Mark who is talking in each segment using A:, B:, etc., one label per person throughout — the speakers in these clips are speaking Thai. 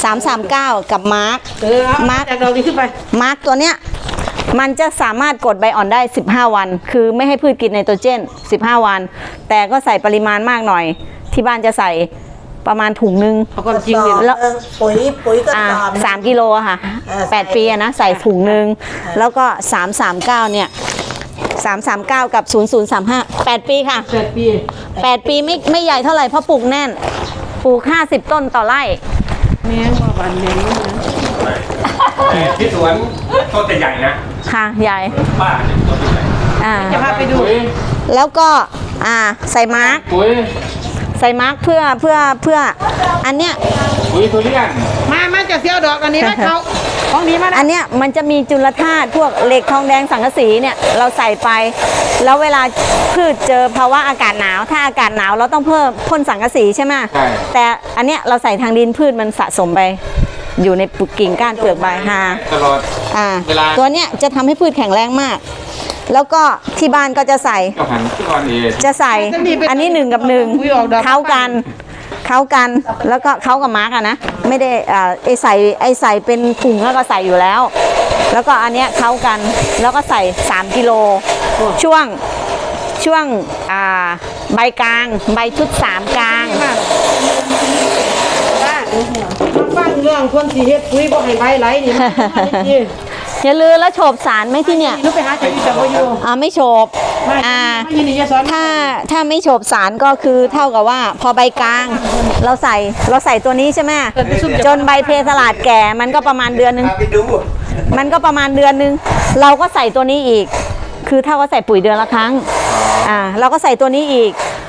A: 339กับมาร์ค
B: จากเราดีขึ้นไป
A: มาร์คตัวเนี้ยมันจะสามารถกดใบอ่อนได้15วันคือไม่ให้พืชกินไนโตรเจน15วันแต่ก็ใส่ปริมาณมากหน่อยที่บ้านจะใส่ประมาณถุงนึง
B: ความจริงเนี่ย
A: แล้ว
C: ปุ๋ยก็
A: 3 กิโลค่ะ8 ปีนะใส่ถุงนึงแล้วก็339เนี่ย339กับ0035 8 ปีค่ะ8 ปีไม่ใหญ่เท่าไหร่เพราะปลูกแน่นปลูก50 ต้นต่อไร่
B: แม่งว่าบันแม่ง
D: ที่สวนต้นแต่ใหญ่นะ
A: ค่ะใหญ่
D: ป้าต้นใหญ่
B: จะพาไปดู
A: แล้วก็ใส่มาร์กใส่มาร์กเพื่ออันเนี้ย
D: ปุ๋ยทุเรียน
B: มาจากเที่ยวดอกอันนี้มาเขาของนี้มา
A: อันเนี้ยมันจะมีจุลธาตุพวกเหล็กทองแดงสังกะสีเนี่ยเราใส่ไปแล้วเวลาพืชเจอภาวะอากาศหนาวถ้าอากาศหนาวเราต้องเพิ่มพ่นสังกะสีใช่ไหมแต่อันเนี้ยเราใส่ทางดินพืชมันสะสมไปอยู่ในกิ่งก้านเปลือกใบ
D: ตลอด
A: ตัวเนี้ยจะทำให้พืชแข็งแรงมากแล้วก็ที่บ้านก็จะใส่อันนี้1 กับ 1เข้ากันแล้วก็เข้ากับมาร์กนะไม่ได้ไอใส่เป็นถุงแล้วก็ใส่อยู่แล้วแล้วก็อันเนี้ยเข้ากันแล้วก็ใส่3 กิโลช่วงใบกลางใบชุด3กลาง
B: ฟังเรื่องคนที่เฮ็ดปุ๋ยบ่ให้ใบไหลนี่
A: อย่าลืมแล้วโฉบสารไหมที่เนี่ย
B: รู้ไปหาจากที่
A: อยู่ไม่โฉบถ้าไม่โฉบสารก็คือเท่ากับว่าพอใบกลางเราใส่ตัวนี้ใช่ไหมจนใบเพสลาดแก่มันก็ประมาณเดือนนึงเราก็ใส่ตัวนี้อีกคือเท่ากับใส่ปุ๋ยเดือนละครั้งเราก็ใส่ตัวนี้อีก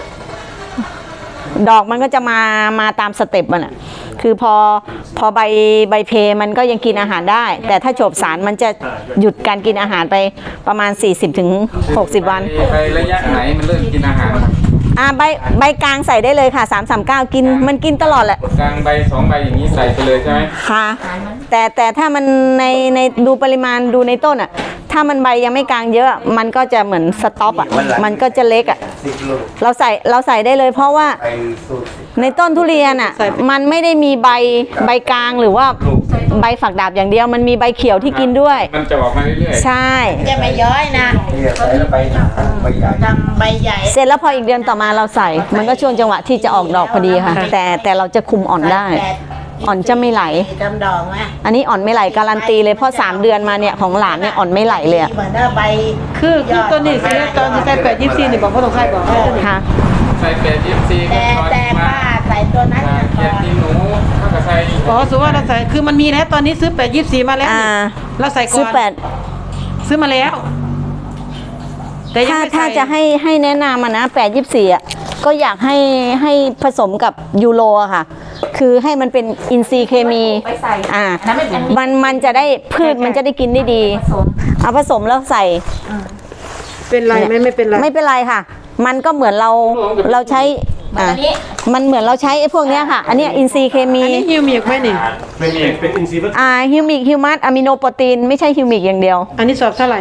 A: ดอกมันก็จะมาตามสเต็ปมันคือพอใบเพมันก็ยังกินอาหารได้แต่ถ้าโฉบสารมันจะหยุดการกินอาหารไปประมาณ 40-60 วัน
D: ไประยะไหนมันเริ่มกินอาหาร
A: ใบกลางใส่ได้เลยค่ะ339กินมันกินตลอดแหละ
D: กลางใบ2 ใบอย่างนี้ใส่ไปเลยใช่ไหม
A: ค่ะแต่ถ้ามันในดูปริมาณดูในต้นถ้ามันใบยังไม่กลางเยอะมันก็จะเหมือนสต็อปมันก็จะเล็กเราใส่ได้เลยเพราะว่าในต้นทุเรียนมันไม่ได้มีใบกลางหรือว่าใบฝักดาบอย่างเดียวมันมีใบเขียวที่กินด้วย
D: มันจะออกมาเรื่อย
A: ๆใช่
C: จะไม่ย้อยนะใบใหญ่
A: เสร็จแล้วพออีกเดือนต่อมาเราใส่มันก็ช่วงจังหวะที่จะออกดอกพอดีค่ะแต่เราจะคุมอ่อนได้อ่อนจะไม่ไหล
C: ดอกไหม
A: อันนี้อ่อนไม่ไหลการันตีเลยเพราะ3 เดือนมาเนี่ยของหลานเนี่ยอ่อนไม่ไหลเลย
C: เหมือนใบ
B: คือต้นนี้สิตอนที่ใส่824นี่บอกพ่อต้องใส่บอก
A: ค่ะ
D: ใส่824
C: แต่ป้าใส่ตัวนั้น
D: เก็บที่หนูเขาก็ใส่
B: สมมติว่าเราใส่คือมันมีแล้วตอนนี้ซื้อ824มาแล้วเราใส่ก่อนซื้อมาแล้ว
A: แต่ถ้าจะให้แนะนำนะ824ก็อยากให้ผสมกับยูโรค่ะคือให้มันเป็นอินทรีย์เคมีมันจะได้พืชมันจะได้กินได้ดีเอาผสมแล้วใส่
B: เป็นไรไม่เป็นไร
A: ไม่เป็นไรค่ะมันก็เหมือนเราใช้มันเหมือนเราใช้ไอ้พวกเนี้ยค่ะอันนี้อินทรีย์เคมี
B: อันนี้ฮิวมิกไหมนี่
D: เป็นอินทรีย์
A: ฮิวมิกฮิวมัสอะมิโนโปรตีนไม่ใช่ฮิวมิกอย่างเดียว
B: อันนี้สอบเท่าไหร่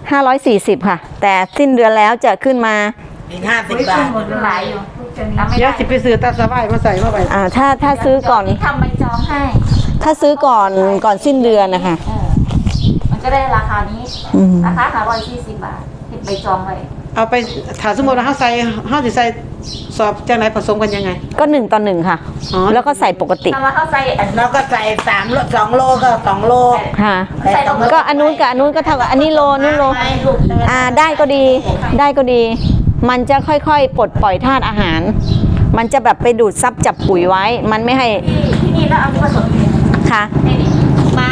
A: 540ค่ะแต่สิ้นเดือนแล้วจะขึ้นมา
C: อีก50 บาท
B: เดี๋ยวไปซื้อตาสบายมาใส่เข้าไป
A: ถ้าซื้อก่อน
E: ทำใบจองให้
A: ถ้าซื้อก่อนสิ้นเดือนนะคะ
E: มันก็ได้ราคานี้ราคา140 บาทเห็นใบจองไว้
B: เอาไปถามสมมติว่าเขาจะใส่สอบจากไหนผสมกันยังไง
A: ก็1 ต่อ 1ค่ะแล้วก็ใส่ปกติ
E: แล้วเขาใส่
C: แล้วก็ใส่2 โลก็2 โล
A: ค่ะก็อันนู้นกับอันนู้นก็เท่ากับอันนี้โลนู้นโลได้ก็ดีมันจะค่อยๆปลดปล่อยธาตุอาหารมันจะแบบไปดูดซับจับปุ๋ยไว้มันไม่ให้
E: ที่นี่แล้วเอาที่ผสม
A: ค่ะ
E: มา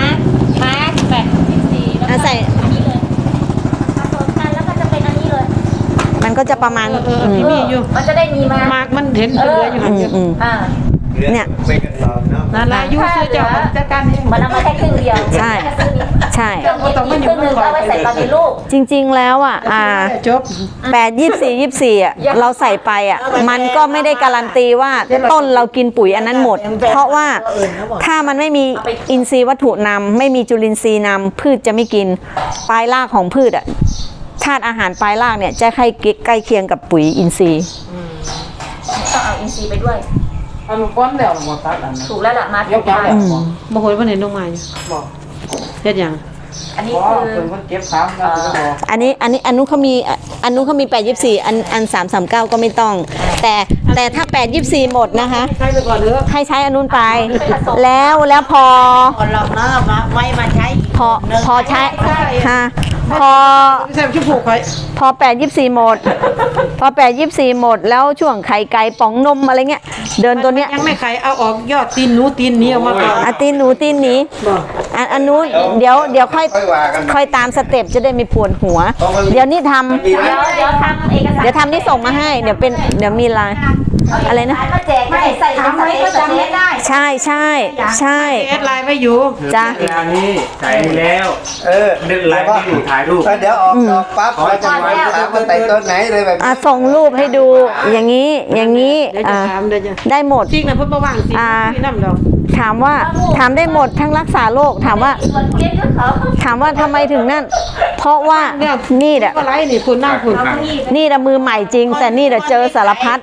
E: 824แล้ว
A: ใส่
E: อันนี้เลยผสมกันแล้วก็จะเป็นอันนี้เลย
A: มันก็จะประมาณ
B: ที่มีอยู่
E: มันจะได้มีมาก
B: มันเห็นเหลืออยู่หันเดียว
A: เนี่ย
B: นาลายูซื้อจากจัดการ
E: มันเอามาแค่ครึ่งเดียว
A: ใช่
E: ครึ่งนึงเอาไว้ใส่ตอนมีลูก
A: จริงๆแล้ว
B: จบ
A: 8 24เราใส่ไปมันก็ไม่ได้การันตีว่าต้นเรากินปุ๋ยอันนั้นหมดเพราะว่าถ้ามันไม่มีอินทรีย์วัตถุนำไม่มีจุลินทรีย์นำพืชจะไม่กินปลายรากของพืชธาตุอาหารปลายรากเนี่ยจะใกล้เคียงกับปุ๋ยอินทรีย์
E: ต้องเอาอินทรีย์ไปด้วย
B: เอาลูกก้อนแล้วหมดตัดอัน
E: ถูกแล้วล่ะมา
B: เดี๋
E: ถู
B: ยว
E: ก
B: จับ
E: ทาง
B: แล้วบ่โหยบ่เห็นลงมาอยู่บอกเฮ็ดหยัง
E: อันนี้
B: อ๋อ
E: คือ
B: เป็นคนเก็บซ้ำแล้วก็บอก
A: อันนู้นเขามี824อัน339ก็ไม่ต้อง แต่ถ้า824หมดนะคะ
B: ใช้ไปก่อนเถอะ
A: ให้ใช้อันนู้นไป แล้วพอ
F: คนเราเนาะมาไว้มาใช้
A: พอใช้ฮะพอ
B: ไม่ใช่ชุบผูกไว้
A: พอ824หมด พอ824หมดแล้วช่วงไข่ไก่ป๋องนมอะไรเงี้ยเดินตัวเนี้ย
B: ยังไม่ขายเอาออกยอดตีนหนูตีนนี้ออกมาก่อน
A: อาตีนหนูตีนหนี้
B: บอก
A: อันนู้นเดี๋ยวค่อย
C: ว่ากัน
A: ค่อยตามสเต็ปจะได้ไม่ปวดหัว เดี๋ยวนี้ทำ
C: มีไหม
E: เดี๋ยวทำเอกสาร
A: เดี๋ยวทำที่ส่งมาให้ เดี๋ยวมีไลน์อะไรนะ
E: มาแจกไม่ใส่ทำไว้ก็จำไม่ได้
A: ใช่ใช่
B: แอดไลน์ไว้อยู่
A: จ้ะ
D: เวลานี้ใส่แล้ว เดินไลน์ให้ดูถ่ายรูป
C: เดี๋ยวออกปั๊บเราจะวางถามว่าแต่ต้นไหนเลยแบบ
A: ส่งรูปให้ดูอย่างนี้
B: เดี๋ยวจะถามเดี๋ยวจะ
A: ได้หมด
B: จริงนะเพิ่นบ่ว่างสิพี่น้ำดอก
A: ถามได้หมดทั้งรักษาโรคถามว่า
E: ส่วนเพี้ยนก็เขา
A: ถามว่าทำไมถึงนั่น เพราะว่านี่แหละ
B: ก็ไลน์นี่คุณนั่งคุณ
A: นี่แหละมือใหม่จริง แต่นี่แหละเจอสารพัด